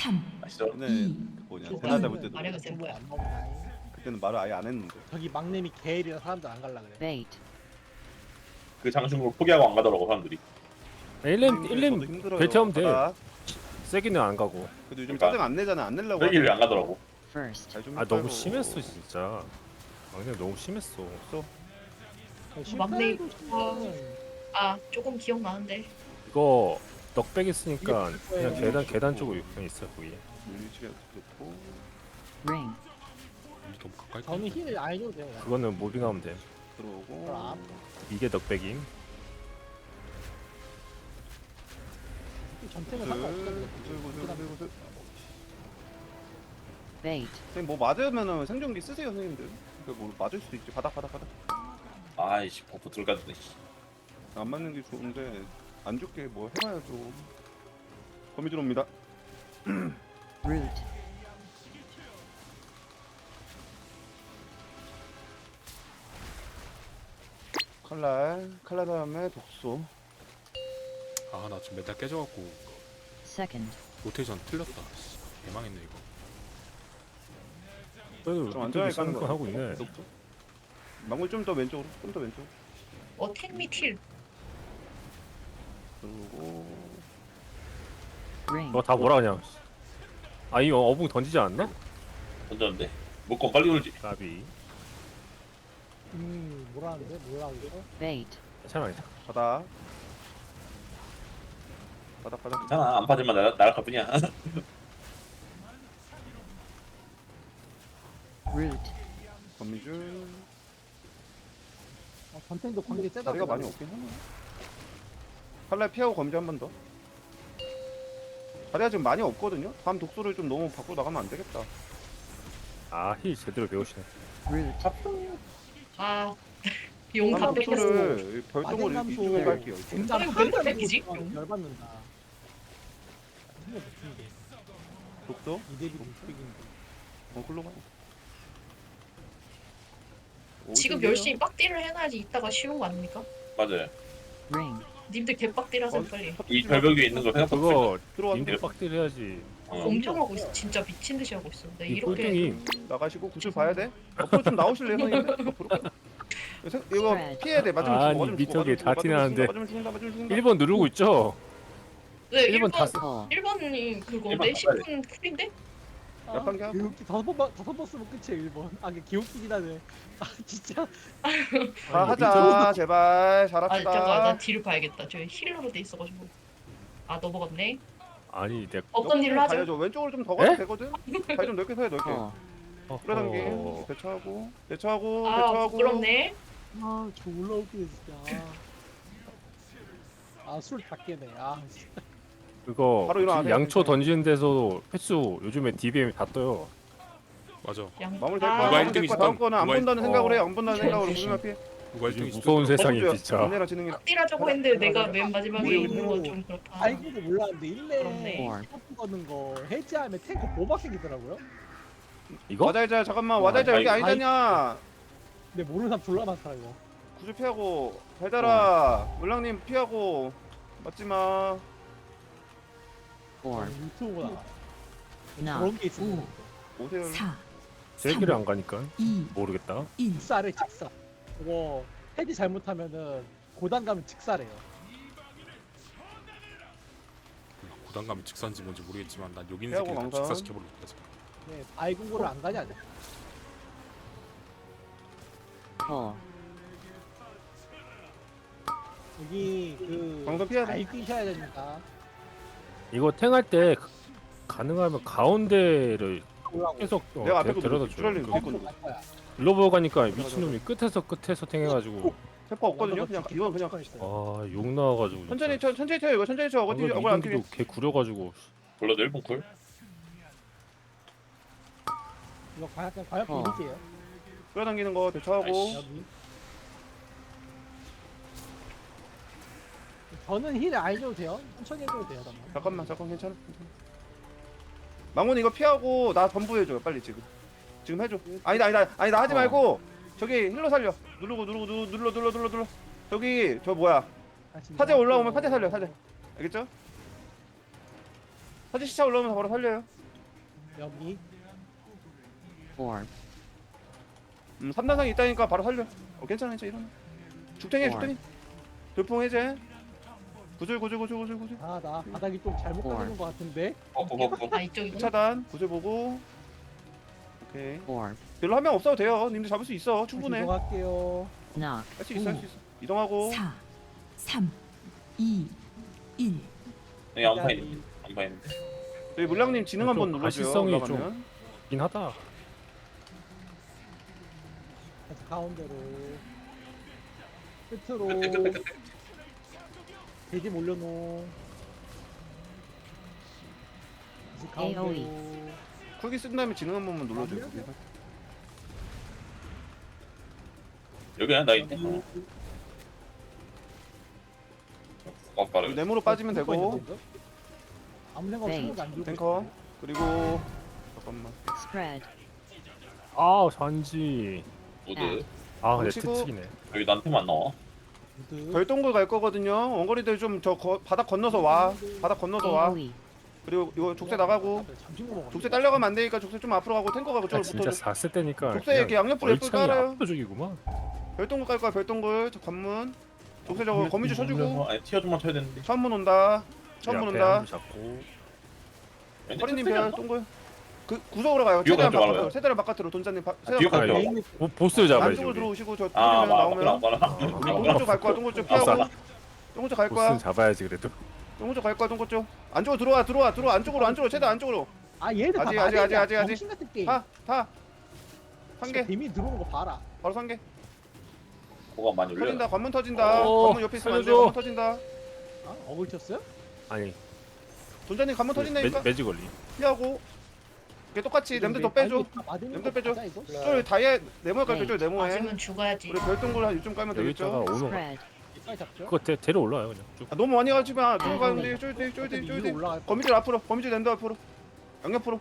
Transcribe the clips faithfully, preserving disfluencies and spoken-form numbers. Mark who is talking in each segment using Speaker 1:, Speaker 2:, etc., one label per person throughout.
Speaker 1: 삼,
Speaker 2: 아시죠?
Speaker 3: 근데
Speaker 1: 이,
Speaker 3: 뭐냐
Speaker 4: 조-
Speaker 3: 대나 잡을 때도
Speaker 4: 말해가
Speaker 3: 그랬어.
Speaker 4: 제보에 안 먹나.
Speaker 3: 그때는 말을 아예 안 했는데.
Speaker 4: 저기 막내미 게일이라 사람들 안 갈라 그래.
Speaker 5: Bait.
Speaker 2: 그 장충을 포기하고 안 가더라고 사람들이.
Speaker 6: 일 렘
Speaker 3: 저도
Speaker 6: 일 렘
Speaker 3: 힘들어요.
Speaker 6: 벨트하면 돼.
Speaker 3: 바닥.
Speaker 6: 세기는 안 가고.
Speaker 3: 그래도 요즘
Speaker 2: 그러니까.
Speaker 3: 짜증 안 내잖아. 안 내려고.
Speaker 2: 여기를 안 가더라고.
Speaker 5: First.
Speaker 3: 잘좀
Speaker 6: 아 너무 심했어 진짜. 막내 너무 심했어.
Speaker 4: 실패도
Speaker 7: 막내
Speaker 4: 싶으면
Speaker 7: 아 조금 기억나는데
Speaker 6: 이거 넉백 있으니까
Speaker 4: 이게
Speaker 6: 그냥
Speaker 4: 뭐예요?
Speaker 6: 계단 계단 쪽으로 그냥 있어 거기.
Speaker 3: 위치가 좋고.
Speaker 5: Ring.
Speaker 8: 너무 가까이.
Speaker 4: 저는 힐을 안 해줘도 돼요.
Speaker 6: 그거는 모빙하면 돼.
Speaker 3: 들어오고.
Speaker 4: 그럼.
Speaker 6: 이게 넉백임.
Speaker 4: 전템은
Speaker 3: 구슬
Speaker 4: 상관없거든요.
Speaker 3: 구슬 구슬 구슬 구슬.
Speaker 5: Bait.
Speaker 3: 선생님 뭐 맞으면은 생존기 쓰세요 선생님들. 그뭐 맞을 수도 있지. 바닥 바닥 바닥.
Speaker 2: 아이씨 버프 들어가주네.
Speaker 3: 안 맞는 게 좋은데 안 죽게 뭐 해봐야죠. 거미줄 옵니다.
Speaker 5: Root.
Speaker 3: 칼날 칼날 다음에 독소.
Speaker 8: 아나 지금 멘탈 깨져갖고
Speaker 5: Second.
Speaker 8: 로테이션 틀렸다. 씨, 개망했네 이거.
Speaker 6: 그래도
Speaker 3: 좀 안전하게
Speaker 6: 사는
Speaker 3: 까는
Speaker 6: 거
Speaker 3: 거
Speaker 6: 하고 있네.
Speaker 3: 독소. 망골 좀 더 왼쪽으로 좀 더 왼쪽.
Speaker 7: 어 택미틸
Speaker 3: 그리고
Speaker 5: Ring.
Speaker 6: 너 다 뭐라 그냥. 아 이거 어붕 던지지 않나?
Speaker 2: 던졌는데 묶고 빨리 울지.
Speaker 6: 나비.
Speaker 4: 음 뭐라는데 뭐라 그러죠?
Speaker 5: Bait.
Speaker 6: 괜찮아 괜찮아.
Speaker 3: 바닥. 바닥 바닥.
Speaker 2: 괜찮아 안 빠질만 날 날아갈 뿐이야.
Speaker 5: Root.
Speaker 3: 거미줄.
Speaker 4: 어, 전템도 관계 세다.
Speaker 3: 다리가 많이 없긴 하네. 칼날 피하고 거미줄 한 번 더. 다리가 지금 많이 없거든요. 다음 독소를 좀 너무 밖으로 나가면 안 되겠다.
Speaker 6: 아힐 제대로 배우시네.
Speaker 5: Root.
Speaker 7: 아 용 다
Speaker 3: 다음
Speaker 7: 뺏겼어
Speaker 3: 독소를 별똥을
Speaker 4: 마젠감소.
Speaker 3: 이쪽에 갈게요.
Speaker 4: 젠장
Speaker 7: 아니,
Speaker 4: 한
Speaker 7: 왜 뺏기지?
Speaker 4: 번 열받는다. 정말 못hin데
Speaker 3: 독소?
Speaker 4: 이대비 못생긴데.
Speaker 3: 어, 글로 가.
Speaker 7: 지금
Speaker 3: 어디인데요?
Speaker 7: 열심히 빡딜을 해놔야지 이따가 쉬운 거 아닙니까?
Speaker 2: 맞아요.
Speaker 5: Ring.
Speaker 7: 님들 개빡딜하세요
Speaker 3: 어,
Speaker 7: 빨리
Speaker 2: 이 절벽 위에 있는 거 생각보다.
Speaker 6: 그거
Speaker 3: 들어와서
Speaker 6: 님들 빡딜 해야지.
Speaker 2: 어.
Speaker 7: 엄청 하고 있어 진짜 미친 듯이 하고 있어 네,
Speaker 6: 이
Speaker 7: 이렇게
Speaker 6: 꼴등이
Speaker 3: 나가시고 구슬 봐야 돼. 앞으로 좀 나오실래요, 선생님? 앞으로. 생- 이거 피해야 돼. 맞으면
Speaker 6: 아니,
Speaker 3: 죽어. 맞으면 죽어.
Speaker 6: 미터기에
Speaker 3: 맞으면
Speaker 6: 다
Speaker 3: 죽어,
Speaker 6: 티나는데.
Speaker 3: 맞으면 죽는다. 맞으면 죽는다.
Speaker 6: 일 번 누르고 있죠.
Speaker 7: 네
Speaker 6: 일 번 다
Speaker 7: 1번
Speaker 6: 쓰.
Speaker 5: Call.
Speaker 7: 일 번이 그건데
Speaker 2: 일 번
Speaker 7: 십 분 쿨인데?
Speaker 3: 약간 게 하고.
Speaker 4: 기웃기 다섯 번 다섯 번 쓰면 끝이에요 일 번. 아 이게 기웃기긴 하네. 아 진짜.
Speaker 3: 자,
Speaker 6: 아니,
Speaker 3: 하자. 제발.
Speaker 7: 아 잠깐 나
Speaker 3: 잘합시다.
Speaker 7: 뒤를 봐야겠다 저 힐러로 돼 있어가지고 아 넘어갔네
Speaker 6: 아니 내가
Speaker 7: 어떤 일을 하죠?
Speaker 3: 가야죠. 왼쪽으로 좀 더 가도
Speaker 6: 에?
Speaker 3: 되거든. 다리 좀 넓게 서야 넓게.
Speaker 5: Call.
Speaker 3: 끌어당기.
Speaker 6: 어,
Speaker 3: 대처하고. 대처하고.
Speaker 7: 아
Speaker 3: 대처하고.
Speaker 7: 부끄럽네
Speaker 4: 아저 올라오기네 진짜. 아술 다 깨네. 아 진짜.
Speaker 6: 그거
Speaker 3: 바로 일어나세요.
Speaker 6: 양초 던지는 데서 횟수 요즘에 디비엠이 다 떠요.
Speaker 8: 맞아.
Speaker 7: 양...
Speaker 3: 마무리 될
Speaker 7: 아,
Speaker 3: 거야.
Speaker 8: 누가
Speaker 3: 마무리 될
Speaker 8: 일 등
Speaker 3: 거야. 다음
Speaker 8: 있었던-
Speaker 3: 거는 안
Speaker 8: 누가 일-
Speaker 3: 본다는 생각을 해.
Speaker 6: 어.
Speaker 3: 안 본다는 생각으로 무슨 피해.
Speaker 8: 누가
Speaker 6: 요즘
Speaker 8: 일 등
Speaker 6: 무서운
Speaker 8: 있었던
Speaker 6: 세상이
Speaker 3: 어쩌죠?
Speaker 6: 진짜.
Speaker 3: 언니랑 지능이
Speaker 7: 빡딜하자고 했는데 내가 맨 마지막에
Speaker 3: 우리
Speaker 7: 있는
Speaker 4: 이거
Speaker 7: 건 좀 그렇다
Speaker 4: 알고도 몰랐는데 일레
Speaker 7: 그렇네.
Speaker 4: 샤프 거는 거 해제하면 탱크 보박 생기더라고요.
Speaker 6: 이거?
Speaker 3: 와자이자 잠깐만. 와자이자 여기
Speaker 2: 아이-
Speaker 3: 아니잖냐.
Speaker 4: 근데 모르는 사람 졸라 많더라 이거.
Speaker 3: 구슬 피하고. 달달아. 물랑님 피하고. 맞지 마.
Speaker 5: Four.
Speaker 4: 유튜브보다
Speaker 5: 나.
Speaker 4: 그런 게 있어.
Speaker 1: 오.
Speaker 3: 오세요.
Speaker 1: 사,
Speaker 6: 제기를 안 가니까
Speaker 1: 이,
Speaker 6: 모르겠다.
Speaker 1: 일.
Speaker 4: 직사래 직사. 그거 헤드 잘못하면은 고단 가면 직사래요.
Speaker 8: 고단감이 직사인지 뭔지 모르겠지만 난 여기 있는
Speaker 3: 해하고
Speaker 8: 새끼들 다
Speaker 3: 망상.
Speaker 8: 직사시켜버릴 거야. 지금.
Speaker 4: 네, 아이공고를 안 가냐? 아니야?
Speaker 5: Call.
Speaker 4: 여기 그
Speaker 3: 방송 피해야 돼.
Speaker 4: 잘 뛰셔야 됩니다.
Speaker 6: 이거 탱할 때 가- 가능하면 가운데를
Speaker 4: 올라오고.
Speaker 6: 계속 어,
Speaker 3: 내가
Speaker 6: 데,
Speaker 3: 앞에
Speaker 6: 데려다
Speaker 3: 거
Speaker 6: 줘요.
Speaker 3: 줄알림
Speaker 6: 그-
Speaker 3: 갈
Speaker 4: 거꾸로
Speaker 3: 거야.
Speaker 4: 갈 거야.
Speaker 6: 글로버 가니까 미친놈이 끝에서 끝에서 탱해가지고
Speaker 3: 세퍼 없거든요. 그냥
Speaker 4: 나도
Speaker 3: 이건 그냥
Speaker 4: 있어요.
Speaker 6: 아욕 나와가지고 진짜.
Speaker 3: 천천히 쳐 천천히 쳐요. 이거 천천히 쳐. 어디
Speaker 6: 방금
Speaker 3: 어디 안
Speaker 6: 이동기도 개 구려가지고
Speaker 2: 블러드 일 분 쿨.
Speaker 4: 이거 과연 과연
Speaker 5: 어.
Speaker 4: 보이세요?
Speaker 3: 끌어당기는 거 대처하고.
Speaker 2: 아이씨.
Speaker 4: 여기. 저는 힐 안 해줘도 돼요. 천천히 해줘도 돼요. 잠깐만.
Speaker 3: 잠깐만 잠깐 괜찮아. 괜찮아. 망원 이거 피하고 나 전부 해줘요. 빨리 지금. 지금 해줘. 아니다 아니다 아니다 하지
Speaker 5: 어.
Speaker 3: 말고 저기 힐로 살려. 누르고 누르고 누르 눌러 눌러 눌러 눌러. 저기 저 뭐야?
Speaker 4: 아, 진짜.
Speaker 3: 사제 올라오면 사제 살려 사제. 알겠죠? 사진 시차 올라오면 바로 살려요.
Speaker 4: 여기
Speaker 5: four,
Speaker 3: 음, 삼 단상이 있다니까 바로 살려. 어, 괜찮아, 괜찮아. 이러면. 죽탱이, 죽탱이. 돌풍 해제. 구슬, 구슬, 구슬, 구슬, 구슬.
Speaker 4: 아 나 바닥이 좀 잘못 가는 것 같은데.
Speaker 2: 어, 어, 어, 어.
Speaker 7: 아 이쪽이구나.
Speaker 3: 차단, 구슬 보고. 오케이.
Speaker 5: four,
Speaker 3: 별로 한 명 없어도 돼요. 님들 잡을 수 있어. 충분해.
Speaker 4: 이동할게요.
Speaker 5: knock,
Speaker 3: 할 수 있어, 할 수 있어. 이동하고.
Speaker 1: 사, 삼, 이, 일.
Speaker 2: 여기 안파 있는데. 안파 있는데.
Speaker 3: 저희 물량님 지능 한번
Speaker 6: 좀
Speaker 3: 눌러줘요.
Speaker 6: 가시성이
Speaker 3: 올라가면.
Speaker 6: 긴 하다.
Speaker 4: 다시 가운데로 끝으로
Speaker 2: 끝에 끝에 끝에.
Speaker 4: 돼지 몰려놓. 다시
Speaker 5: 에이오이.
Speaker 4: 가운데로.
Speaker 3: 쿨기 쓴 다음에 지능 한 번만 눌러줘요. 거기.
Speaker 2: 여기야 나 있네. 어. 어, 바로.
Speaker 3: 네모로 빠지면 되고.
Speaker 4: 아무 생각 없이
Speaker 5: 네.
Speaker 4: 안 들고
Speaker 3: 탱커. 그리고 잠깐만.
Speaker 5: spread,
Speaker 6: 아 잔지.
Speaker 2: 모드.
Speaker 6: 아 근데
Speaker 3: 치고.
Speaker 6: 특치기네.
Speaker 2: 여기 나한테만 나와.
Speaker 4: 있어.
Speaker 3: 별동굴 갈 거거든요. 원거리들 좀 저 바닥 건너서 와. 바닥 건너서 와.
Speaker 5: AOE,
Speaker 3: 그리고 이거 족쇄 나가고.
Speaker 4: 잠시만 먹어.
Speaker 3: 족쇄 딸려가면 안 되니까 족쇄 좀 앞으로 가고 탱커 가고
Speaker 6: 아
Speaker 3: 쪽으로
Speaker 6: 진짜
Speaker 3: 붙어줘.
Speaker 6: 샀을 때니까.
Speaker 3: 족쇄 이렇게 양옆으로 예쁘게
Speaker 6: 얼창이
Speaker 3: 깔아요.
Speaker 6: 압도적이구만.
Speaker 3: 별동굴 깔 거야. 별동굴. 저 관문. 족쇄 저거 거미줄 쳐주고.
Speaker 2: 아니 티어 좀만 쳐야 되는데.
Speaker 3: 처음 문 온다. 처음 문 온다.
Speaker 6: 잡고.
Speaker 3: 허리님 별 동굴. 그 구석으로 가요.
Speaker 2: 뒤로
Speaker 3: 최대한
Speaker 2: 가지 말아요.
Speaker 3: 바깥으로. 최대한 바깥으로 돈자님 바,
Speaker 2: 뒤로
Speaker 3: 최대한
Speaker 2: 가죠.
Speaker 3: 바깥으로.
Speaker 4: 메인
Speaker 6: 보, 보스 잡아야지
Speaker 3: 안쪽으로
Speaker 6: 우리.
Speaker 3: 들어오시고 저
Speaker 2: 아,
Speaker 3: 뚫리면
Speaker 2: 맞아.
Speaker 3: 나오면
Speaker 2: 맞아.
Speaker 3: 우리 동굴 쪽갈 거야. 동굴 쪽 피하고.
Speaker 2: 아싸.
Speaker 3: 동굴 쪽 갈 거야.
Speaker 6: 보스 잡아야지 그래도.
Speaker 3: 동굴 쪽 갈 거야. 동굴 쪽. 안쪽으로 들어와. 들어와. 들어와. 안쪽으로 안쪽으로 최대한 안쪽으로.
Speaker 4: 아 얘들 다
Speaker 3: 아직, 아직, 아직, 아직, 아직.
Speaker 4: 정신 같은 게임.
Speaker 3: 타. 타. 한 개.
Speaker 4: 데미 들어오는 거 봐라.
Speaker 3: 바로 한 개.
Speaker 2: 뭐가 많이 올려.
Speaker 3: 터진다. 관문 터진다.
Speaker 6: 어,
Speaker 3: 관문 옆에 있으면 안 돼.
Speaker 6: 살려줘.
Speaker 3: 관문 터진다.
Speaker 4: 아 어글 쳤어요?
Speaker 6: 아니
Speaker 3: 돈자님 관문 터진다니까.
Speaker 6: 매, 매직 걸리.
Speaker 3: 피하고. 이게 똑같이 냄새 더 빼줘. 냄새 빼줘. 쫄 다이아 네모에 깔게 쫄 네모에.
Speaker 7: 맞으면 죽어야지.
Speaker 3: 우리 별동굴 한 이쯤 깔면
Speaker 6: 여기다가
Speaker 3: 되겠죠.
Speaker 6: 오는 거.
Speaker 5: spread,
Speaker 4: 빨리 잡죠.
Speaker 6: 그거 데, 데려 올라요 그냥. 쭉.
Speaker 3: 아, 너무 많이 가지 마. 쫄
Speaker 5: 아,
Speaker 3: 가는데 쫄대 쫄대
Speaker 4: 위로
Speaker 3: 쫄대.
Speaker 4: 올라갈 거.
Speaker 3: 거미줄 앞으로. 거미줄 랜더 앞으로. 양옆으로.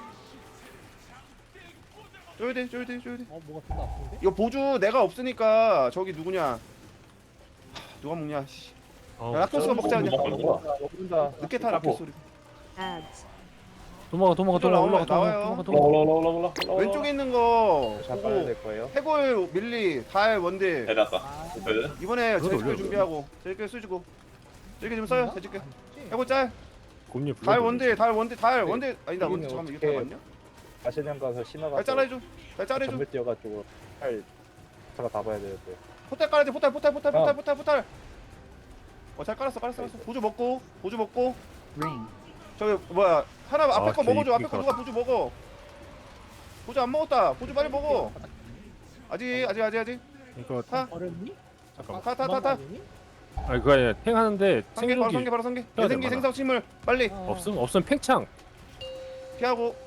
Speaker 3: 쫄대 쫄대 쫄대.
Speaker 4: 어 뭐가 좀 아픈데?
Speaker 3: 이거 보주 내가 없으니까 저기 누구냐? 하, 누가 먹냐? 씨.
Speaker 6: 어,
Speaker 3: 야, 락토스가 먹자 그냥.
Speaker 2: 먹는 거야.
Speaker 3: 늦게 타 락토스 소리.
Speaker 5: ads,
Speaker 6: 도망가 도망가 도망가 올라가 도망가
Speaker 3: 나와요.
Speaker 6: 도망가
Speaker 2: 올라
Speaker 6: 도망가.
Speaker 2: 올라 올라 올라 올라.
Speaker 3: 왼쪽에 있는 거
Speaker 9: 잡아야
Speaker 3: 보고
Speaker 9: 될 거예요.
Speaker 3: 해골 밀리 달 원딜
Speaker 2: 내려왔다.
Speaker 4: 아
Speaker 2: 그래?
Speaker 3: 이번에
Speaker 6: 그것도
Speaker 3: 제주교
Speaker 6: 올려요.
Speaker 3: 준비하고 제주교 쓰시고 제주교 좀 써요 제주교 해골 짤
Speaker 6: 곰님
Speaker 3: 달
Speaker 6: 불러.
Speaker 3: 원딜 달 원딜 달
Speaker 9: 네.
Speaker 3: 원딜 아니다 원딜
Speaker 9: 여기는
Speaker 3: 잠깐만 이게
Speaker 9: 어떻게
Speaker 3: 달 맞냐?
Speaker 9: 가시령 가서 신어가서
Speaker 3: 달 잘라줘 달 잘라줘
Speaker 9: 전멸 뛰어가지고 팔 차가 다 봐야 되는데.
Speaker 3: 포탈 깔아야 돼 포탈 포탈 포탈
Speaker 9: 어.
Speaker 3: 포탈 포탈 포탈 어잘 깔았어 깔았어 깔았어 보조 먹고 보조 먹고
Speaker 5: ring,
Speaker 3: 저기 뭐야 하나 앞에
Speaker 6: 아,
Speaker 3: 거 먹어줘 앞에
Speaker 6: 개이쁘게
Speaker 3: 거 누가 보조 먹어 보조 안 먹었다 보조 빨리 먹어 아직 아직 아직 아직
Speaker 6: 이거
Speaker 3: 타
Speaker 4: 어렵니?
Speaker 6: 잠깐만.
Speaker 3: 타, 타, 타, 타.
Speaker 6: 아니 그거 아니라 팽 하는데
Speaker 3: 상계 바로 상계
Speaker 6: 생존기
Speaker 3: 바로 상계
Speaker 6: 해야 돼,
Speaker 3: 내생기
Speaker 6: 많아.
Speaker 3: 생성 침물 빨리
Speaker 4: 어.
Speaker 6: 없음 없으면 팽창.
Speaker 3: 피하고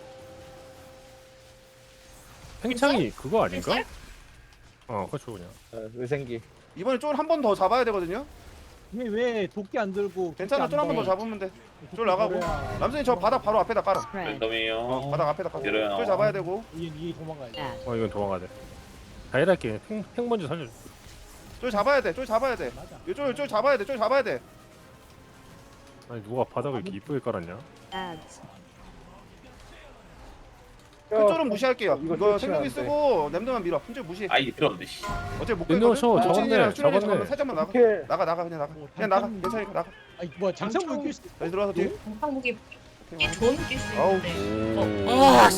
Speaker 6: 팽창이 그거 아닌가?
Speaker 7: 팽창?
Speaker 6: 어 그렇죠 그냥.
Speaker 9: 어, 의생기.
Speaker 3: 이번에 쫄 한 번 더 잡아야 되거든요
Speaker 4: 왜왜 도끼 안 들고?
Speaker 3: 괜찮아 쫄 한 번 더 잡으면 돼 쫄 나가고 남선이 저 바닥 바로 앞에다 깔아
Speaker 5: spread,
Speaker 2: 랜덤이에요.
Speaker 3: 어, 바닥 앞에다 깔아
Speaker 2: 내려요.
Speaker 3: 쫄 잡아야 되고
Speaker 4: 얘얘 도망가야 돼.
Speaker 5: add,
Speaker 6: 어 이건 도망가야 돼. 다이랄게 팽, 팽 먼저 살려.
Speaker 3: 쫄 잡아야 돼쫄 잡아야 돼
Speaker 4: 맞아.
Speaker 3: 이쫄 쫄 잡아야 돼쫄 잡아야 돼
Speaker 6: 아니 누가 바닥을 이렇게 이쁘게 깔았냐?
Speaker 5: ads,
Speaker 3: 그 쫄은 무시할게요
Speaker 9: 이거
Speaker 3: 이거
Speaker 9: 쫄
Speaker 3: 생명이
Speaker 9: 치면 안
Speaker 3: 쓰고 냄새만 밀어 큰쫄 무시해
Speaker 2: 아이디 필요 없는데. 씨.
Speaker 3: 어차피 못
Speaker 6: 냄새만
Speaker 3: 끌거든
Speaker 6: 쳐,
Speaker 3: 족진이랑
Speaker 6: 잡았네,
Speaker 3: 출연이
Speaker 6: 잡았네.
Speaker 3: 잠깐만 살짝만 나가
Speaker 9: 어떻게
Speaker 3: 나가 나가 그냥 나가
Speaker 4: 뭐
Speaker 3: 그냥 나가
Speaker 4: 단탄-
Speaker 3: 괜찮으니까 나가
Speaker 4: 아니 뭐야 장창 물길 수
Speaker 3: 다시 들어와서 뒤에
Speaker 7: 한국이
Speaker 3: 오케이,
Speaker 7: 이 좋은 낄수
Speaker 3: 아우.
Speaker 7: 있는데.
Speaker 6: 오.